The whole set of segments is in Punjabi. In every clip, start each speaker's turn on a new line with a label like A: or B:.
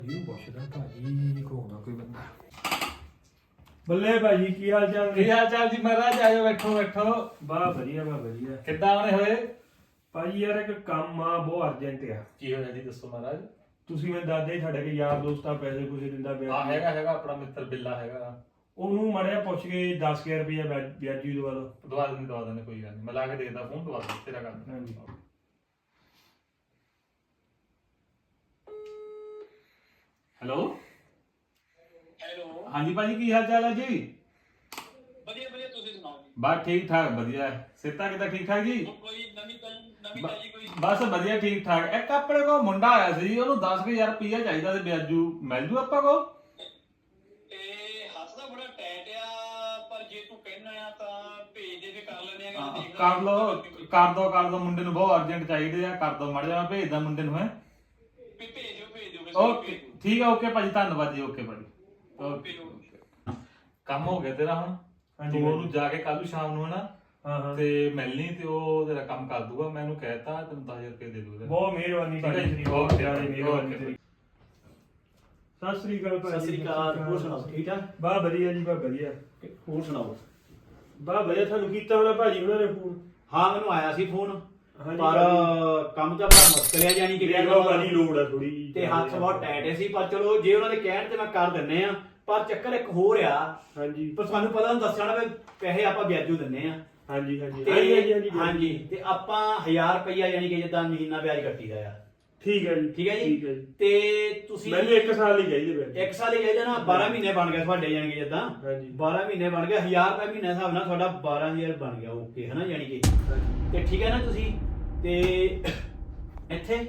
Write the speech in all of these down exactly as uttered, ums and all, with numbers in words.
A: ਜੀ ਪੁੱਛਦਾ ਭਾਜੀ ਕੋਣਾ ਕੋਈ ਬੰਦਾ। ਬੱਲੇ ਭਾਜੀ ਕੀ ਹਾਲ ਚਾਲ?
B: ਕੀ ਹਾਲ ਚਾਲ ਜੀ ਮਹਾਰਾਜ? ਆਇਓ ਬੈਠੋ ਬੈਠੋ।
A: ਬਾ ਵਧੀਆ ਬਾ ਵਧੀਆ।
B: ਕਿੱਦਾਂ ਆਉਣੇ ਹੋਏ
A: ਭਾਜੀ ਯਾਰ ਇੱਕ ਕੰਮ ਆ ਬਹੁਤ ਅਰਜੈਂਟ ਆ।
B: ਕੀ ਹੋਇਆ ਜੀ ਦੱਸੋ ਮਹਾਰਾਜ।
A: ਤੁਸੀਂ ਮੈਨੂੰ ਦੱਸਦੇ ਸਾਡੇ ਕੇ ਯਾਰ ਦੋਸਤ ਆ ਪੈਸੇ ਪੂਸੇ ਦਿੰਦਾ ਪਿਆ।
B: ਆ ਹੈਗਾ ਹੈਗਾ ਆਪਣਾ ਮਿੱਤਰ ਬਿੱਲਾ ਹੈਗਾ,
A: ਉਹਨੂੰ ਮੜਿਆ ਪੁੱਛ ਕੇ ਦਸ ਹਜ਼ਾਰ ਰੁਪਇਆ ਵਿਆਜੀ ਦਵਾ ਲਓ।
B: ਦਵਾ ਦਿੰਦੇ ਦਵਾ ਦਿੰਦੇ ਕੋਈ ਗੱਲ ਨਹੀਂ, ਮੈਂ ਲਾ ਕੇ ਦੇਖਦਾ ਫੋਨ, ਦਵਾ ਦੇ ਤੇਰਾ ਗੱਲ।
A: ਹਾਂਜੀ
B: ਹੈਲੋ
C: ਹੈਲੋ
B: ਹਾਂਜੀ ਭਾਜੀ ਕੀ ਹਾਲ ਚਾਲ ਹੈ ਜੀ?
C: ਵਧੀਆ ਵਧੀਆ, ਤੁਸੀਂ ਸੁਣਾਓ ਜੀ।
B: ਬਸ ਠੀਕ ਠਾਕ ਵਧੀਆ। ਸਿਹਤਾਂ ਕਿੱਦਾਂ ਠੀਕ ਠਾਕ ਜੀ?
C: ਕੋਈ ਨਵੀਂ ਨਵੀਂ ਤਾਜੀ ਕੋਈ?
B: ਬਸ ਵਧੀਆ ਠੀਕ ਠਾਕ। ਇੱਕ ਆਪਣੇ ਕੋਲ ਮੁੰਡਾ ਆਇਆ ਸੀ, ਉਹਨੂੰ ਦਸ ਹਜ਼ਾਰ ਰੁਪਈਆ ਚਾਹੀਦਾ ਤੇ ਵਿਆਜੂ ਮਿਲ ਜੂ ਆਪਾਂ ਕੋਲ?
C: ਤੇ ਹੱਸਦਾ ਬੜਾ ਟੈਟ ਆ, ਪਰ ਜੇ ਤੂੰ ਕਹਿਣਾ ਆ ਤਾਂ ਭੇਜ ਦੇ, ਫੇ ਕਰ ਲੈਣੇ ਆ। ਦੇਖ
B: ਕਰ ਲੋ ਕਰ ਦੋ ਕਰ ਦੋ ਮੁੰਡੇ ਨੂੰ ਬਹੁਤ ਅਰਜੈਂਟ ਚਾਹੀਦੇ ਆ, ਕਰ ਦੋ ਮੜ ਜਾ, ਮੈਂ ਭੇਜਦਾ ਮੁੰਡੇ ਨੂੰ। ਹੈ
C: ਭੇਜ ਦਿਓ ਭੇਜ ਦਿਓ।
B: ਓਕੇ ਠੀਕ ਆ, ਓਕੇ ਭਾਜੀ ਧੰਨਵਾਦ ਜੀ। ਓਕੇ ਭਾਜੀ
C: ਓਕੇ ਓਕੇ।
B: ਕੰਮ ਹੋ ਗਿਆ ਤੇਰਾ ਹੁਣ। ਤੂੰ ਉਹਨੂੰ ਜਾ ਕੇ ਕੱਲ ਨੂੰ ਸ਼ਾਮ ਨੂੰ ਹਨਾ
A: ਹਾਂ ਹਾਂ
B: ਤੇ ਮਿਲਣੀ ਤੇ ਉਹ ਤੇਰਾ ਕੰਮ ਕਰ ਦੂਗਾ। ਮੈਂ ਉਹਨੂੰ ਕਹਿਤਾ ਤੈਨੂੰ ਦਸ ਹਜ਼ਾਰ ਰੁਪਏ ਦੇ ਦੂਗਾ।
A: ਬਹੁਤ ਮਿਹਰਬਾਨੀ ਭਾਜੀ ਤੇਰੀ, ਬਹੁਤ ਜ਼ਿਆਦਾ ਮਿਹਰਬਾਨੀ ਤੇਰੀ। ਸਤਿ ਸ੍ਰੀ ਅਕਾਲ ਭਾਜੀ।
D: ਸਤਿ ਸ੍ਰੀ ਅਕਾਲ। ਹੋਰ ਸੁਣਾਓ ਠੀਕ ਠਾਕ?
A: ਬਾ ਵਧੀਆ ਜੀ ਬਾ ਵਧੀਆ।
D: ਹੋਰ ਸੁਣਾਓ।
A: ਬਾ ਵਧੀਆ। ਤੁਹਾਨੂੰ ਕੀਤਾ ਹੋਣਾ ਭਾਜੀ ਉਹਨਾਂ ਨੇ ਫੋਨ?
D: ਹਾਂ ਮੈਨੂੰ ਆਇਆ ਸੀ ਫੋਨ,
A: ਹਾਂਜੀ
D: ਪਰ ਕੰਮ ਤਾਂ ਬੜਾ ਮੁਸ਼ਕਿਲ ਹੈ, ਜਾਨੀ ਕਿ
A: ਦੇਖੋ ਭਾਜੀ ਲੋੜ ਆ ਥੋੜੀ ਜੀ
D: ਤੇ ਹੱਥ ਬਹੁਤ ਟਾਈਟ ਸੀ, ਪਰ ਚਲੋ ਜੇ ਉਹਨਾਂ ਦੇ ਕਹਿਣ ਤੇ ਮੈਂ ਕਰ ਦਿੰਨੇ ਆ। ਪਰ ਚੱਕਰ ਇੱਕ ਹੋਰ ਆ,
A: ਹਾਂਜੀ
D: ਪਰ ਤੁਹਾਨੂੰ ਪਤਾ ਹੁੰਦਾ ਦੱਸਣਾ ਵੀ ਪੈਸੇ ਆਪਾਂ ਵਿਆਜੂ ਦਿੰਨੇ ਆ।
A: ਹਾਂਜੀ ਹਾਂਜੀ
D: ਤੇ
A: ਹਾਂਜੀ ਹਾਂਜੀ
D: ਹਾਂਜੀ ਤੇ ਆਪਾਂ ਹਜ਼ਾਰ ਰੁਪਈਆ ਯਾਨੀ ਕਿ ਜਿੱਦਾਂ ਮਹੀਨਾ ਵਿਆਜ ਕੱਟੀਦਾ ਆ।
A: ਠੀਕ ਹੈ ਜੀ
D: ਠੀਕ ਹੈ ਜੀ।
A: ਠੀਕ ਹੈ ਜੀ।
D: ਤੇ ਤੁਸੀਂ
A: ਮੈਨੂੰ ਇੱਕ ਸਾਲ ਹੀ ਚਾਹੀਦੇ ਬੈ
D: ਇੱਕ ਸਾਲ ਹੀ ਚਾਹੀਦਾ ਨਾ, ਬਾਰਾਂ ਮਹੀਨੇ ਬਣ ਗਏ ਤੁਹਾਡੇ ਯਾਨੀ ਕਿ ਜਿੱਦਾਂ
A: ਹਾਂਜੀ
D: ਬਾਰਾਂ ਮਹੀਨੇ ਬਣ ਗਏ, ਹਜ਼ਾਰ ਰੁਪਏ ਮਹੀਨੇ ਹਿਸਾਬ ਨਾਲ ਤੁਹਾਡਾ ਬਾਰਾਂ ਹਜ਼ਾਰ ਬਣ ਗਿਆ। ਓਕੇ ਹੈ ਨਾ ਯਾਨੀ ਕਿ। ਤੇ ਠੀਕ ਹੈ ਨਾ ਤੁਸੀਂ ਤੇ ਇੱਥੇ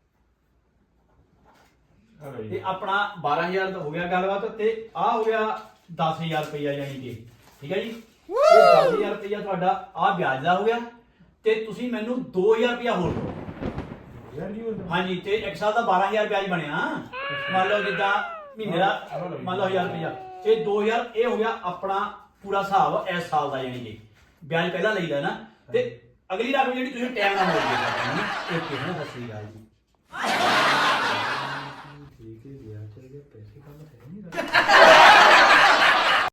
D: ਤੇ ਆਪਣਾ ਬਾਰਾਂ ਹਜ਼ਾਰ ਤਾਂ ਹੋ ਗਿਆ ਗੱਲਬਾਤ, ਤੇ ਆ ਹੋ ਗਿਆ ਦਸ ਹਜ਼ਾਰ ਰੁਪਇਆ ਯਾਨੀ ਕਿ। ਠੀਕ ਹੈ ਜੀ। ਇਹ ਦਸ ਹਜ਼ਾਰ ਰੁਪਇਆ ਤੁਹਾਡਾ ਆ ਵਿਆਜ ਦਾ ਹੋ ਗਿਆ, ਤੇ ਤੁਸੀਂ ਮੈਨੂੰ ਦੋ ਹਜ਼ਾਰ ਰੁਪਇਆ ਹੋਰ ਦਿਓ।
A: ਯਾਰ ਜੀ ਉਹ
D: ਹਾਂਜੀ ਤੇ ਇੱਕ ਸਾਲ ਦਾ ਬਾਰਾਂ ਹਜ਼ਾਰ ਵਿਆਜ ਬਣਿਆ। ਮੰਨ ਲਓ ਜਿੱਦਾਂ ਮਹੀਨੇ ਦਾ ਮੰਨ ਲਓ ਹਜ਼ਾਰ ਰੁਪਇਆ, ਇਹ ਦੋ ਹਜ਼ਾਰ ਇਹ ਹੋ ਗਿਆ ਆਪਣਾ ਪੂਰਾ ਹਿਸਾਬ ਇਸ ਸਾਲ ਦਾ, ਯਾਨੀ ਕਿ ਵਿਆਜ ਪਹਿਲਾਂ ਲਈਦਾ ਨਾ, ਤੇ ਅਗਲੀ ਰਕਮ ਜਿਹੜੀ ਤੁਸੀਂ ਟਾਈਮ ਨਾਲ ਮੋੜ ਦਿਓ। ਓਕੇ ਹੈ ਨਾ। ਸਤਿ ਸ੍ਰੀ ਅਕਾਲ ਜੀ।
A: ਠੀਕ ਹੈ ਯਾਰ ਚੱਲ ਗਿਆ ਪੈਸੇ ਕੰਮ ਹੈ ਨਹੀਂ